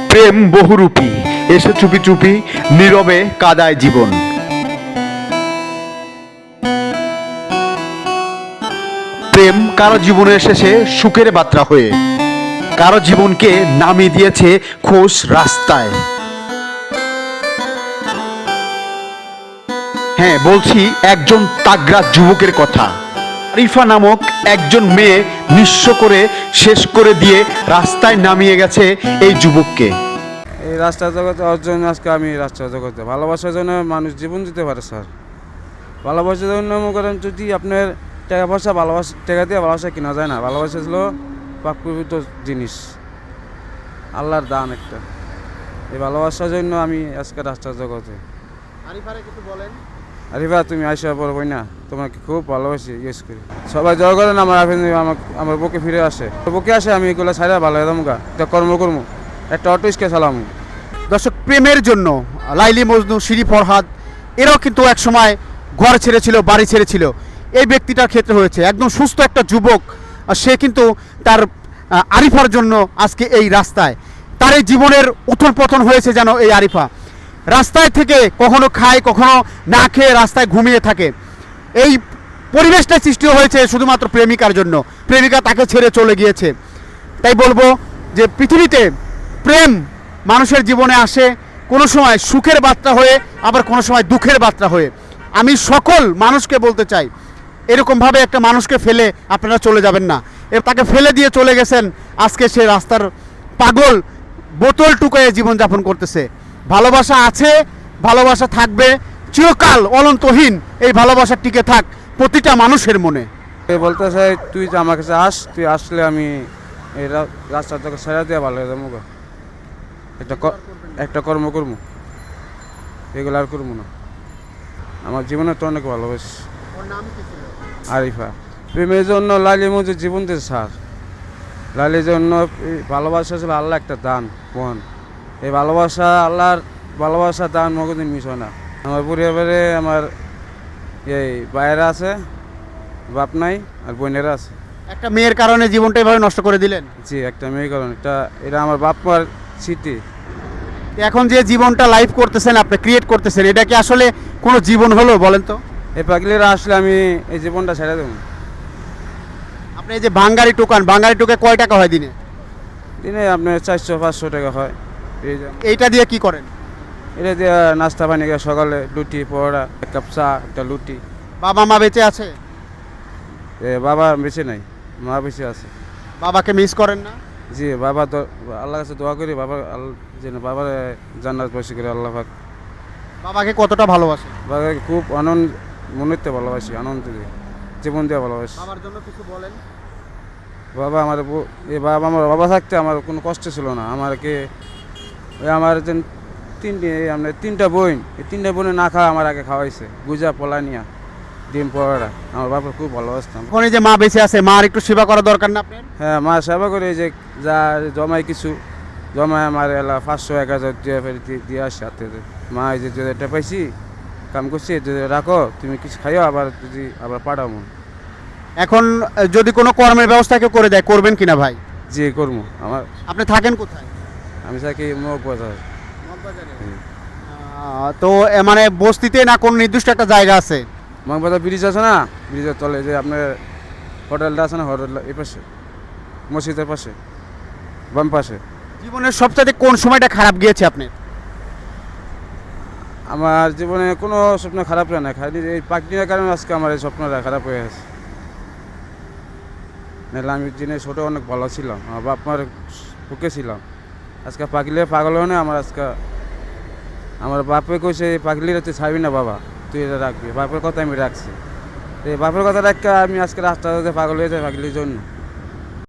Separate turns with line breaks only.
প্রেম বহুরূপী, এসে চুপি চুপি নীরবে কাদায় জীবন। প্রেম কারো জীবনে এসেছে সুখের বার্তা হয়ে, কারো জীবনকে নামিয়ে দিয়েছে খোস রাস্তায়। হ্যাঁ, বলছি একজন তাগড়া যুবকের কথা। আরিফা নামক একজন মেয়ে নিঃস্ব করে শেষ করে দিয়ে রাস্তায় নামিয়ে গেছে এই যুবককে।
এই রাস্তা জগতে অর্জন আজকে আমি রাস্তা জগতে ভালোবাসার জন্য মানুষ জীবন দিতে পারে স্যার। ভালোবাসার জন্য মনে করেন যদি আপনার টাকা পয়সা টাকা দিয়ে ভালোবাসা কিনা যায় না। ভালোবাসা হলো প্রাকৃতিক জিনিস, আল্লাহর দান একটা। এই ভালোবাসার জন্য আমি আজকে রাস্তা জগতে। আরিফা তুমি আইসা পড়বই না, তোমাকে খুব ভালোবাসি, ইউজ করি। সবাই জয় করেন আমার আমার বুকে ফিরে আসে, বুকে আসে, আমি এগুলো ছাড়া ভালো হতাম গা, একটা কর্ম একটা অটো রিক্সা চালাম।
দর্শক, প্রেমের জন্য লাইলি মজনু, শিরি ফরহাদ এরাও কিন্তু এক সময় ঘর ছেড়েছিল, বাড়ি ছেড়েছিল। এই ব্যক্তিটার ক্ষেত্রে হয়েছে একদম সুস্থ একটা যুবক, আর সে কিন্তু তার আরিফার জন্য আজকে এই রাস্তায়। তার এই জীবনের উথল পতন হয়েছে যেন এই আরিফা রাস্তায় থেকে কখনো খায়, কখনো না খেয়ে রাস্তায় ঘুমিয়ে থাকে। এই পরিবেশটা সৃষ্টি হয়েছে শুধুমাত্র প্রেমিকার জন্য। প্রেমিকা তাকে ছেড়ে চলে গিয়েছে। তাই বলবো যে পৃথিবীতে প্রেম মানুষের জীবনে আসে কোনো সময় সুখের বার্তা হয়ে, আবার কোনো সময় দুঃখের বার্তা হয়ে। আমি সকল মানুষকে বলতে চাই, এরকমভাবে একটা মানুষকে ফেলে আপনারা চলে যাবেন না। তাকে ফেলে দিয়ে চলে গেছেন, আজকে সে রাস্তার পাগল, বোতল টুকায়ে জীবনযাপন করতেছে। ভালোবাসা আছে, ভালোবাসা থাকবে চিরকাল অনন্তহীন। এই ভালোবাসা টিকে থাক প্রতিটা মানুষের মনে।
বলতে চাই তুই যে আমার কাছে আস, তুই আসলে আমি এই রাস্তা থেকে ছেড়ে দিয়ে ভালো হয়ে যাবো, একটা কর্ম করবো, এগুলো আর করবো না। আমার জীবনে তো অনেক ভালোবাসি। আরিফা প্রেমের জন্য লাইলি মজুর জীবন দিয়েছে স্যার। লাইলির জন্য ভালোবাসা ছিল আল্লাহ একটা দান মন। এই ভালোবাসা আল্লাহর ভালোবাসা দান মগদিন মিস হয় না। আমার পরিবারে আমার এই ভাইয়েরা আছে, বাপ নাই, আর বোনেরা আছে।
একটা মেয়ের কারণে জীবনটা এভাবে নষ্ট করে দিলেন?
জি, একটা মেয়ের কারণে। এটা আমার বাপ মার স্মৃতি।
এখন যে জীবনটা লাইফ করতেছেন, আপনি ক্রিয়েট করতেছেন, এটা কি আসলে কোনো জীবন হলো বলেন তো?
এই পাগলিরা আসলে আমি এই জীবনটা ছেড়ে দেবো।
আপনি এই যে বাঙ্গারি টোকান, বাঙ্গারি টোকে কয় টাকা হয় দিনে?
দিনে আপনার 400-500 টাকা হয়।
এইটা দিয়ে কি করেন?
এটা দিয়ে নাস্তা পানি খাই, সকালে লুটি পরোটা, এক কাপ চা, একটা লুটি।
বাবা মা বেঁচে আছে?
বাবা বেঁচে নাই, মা বেঁচে আছে।
বাবাকে মিস করেন না?
জি, বাবা তো আল্লাহর কাছে দোয়া করি, বাবা যেন বাবার জান্নাত বাসী করে আল্লাহ পাক।
বাবাকে কতটা ভালোবাসে?
বাবাকে খুব মনেতে ভালোবাসি, আনন্দ দিয়ে, জীবন দিয়ে ভালোবাসি।
বাবার জন্য কিছু বলেন।
বাবা আমার আমার বাবা থাকতে আমার কোনো কষ্ট ছিল না। আমাকে আমার যে তিনটা বোন, এই তিনটা বোনে না খাওয়া আমার আগে খাওয়াইছে, গুজা পোলানিয়া ডিম পরোটা। আমার বাবার খুব ভালোবাসতাম।
এখন এই যে মা বেঁচে আছে, মার একটু সেবা করা দরকার না আপনার?
হ্যাঁ, মা সেবা করে, যে যা জমাই কিছু জমায় আমার 500-1000 দিয়ে আসে হাতে। মা এই যে এটা পাইছি, কাম করছি, যদি রাখো, তুমি কিছু খাইও, আবার যদি আবার পাঠাবো।
এখন যদি কোনো কর্মের ব্যবস্থা কেউ করে দেয়, করবেন কিনা ভাই?
জি, করবো।
আপনি থাকেন কোথায়?
আমি থাকি মগবাজার।
তো মানে বস্তিতে না কোন নির্দিষ্ট একটা জায়গা আছে?
মগবাজার ব্রিজ আছে না, ব্রিজের তলে যে আপনার হোটেলটা আছে না, হোটেল এই পাশে, মসজিদের পাশে, বাম পাশে।
জীবনের সবচেয়ে কোন সময়টা খারাপ গিয়েছে আপনার?
আমার জীবনে কোনো স্বপ্ন খারাপ হয় না, খালি এই পাখিটার কারণে আজকে আমার এই স্বপ্নটা খারাপ হয়ে গেছে। নাহলে আমি দিনে ছোটো অনেক ভালো ছিলাম, আমার বাপ মার বুকে ছিলাম। আজকে পাগলে পাগল হয় না আমার। আজকে আমার বাপে কইছে পাগলিরা তুই ছাড়বি না বাবা, তুই এটা রাখবি। বাপের কথা আমি রাখছি, এই বাপের কথা রাখা আমি আজকে রাস্তাতে পাগল হয়ে যাই পাগলির জন্য।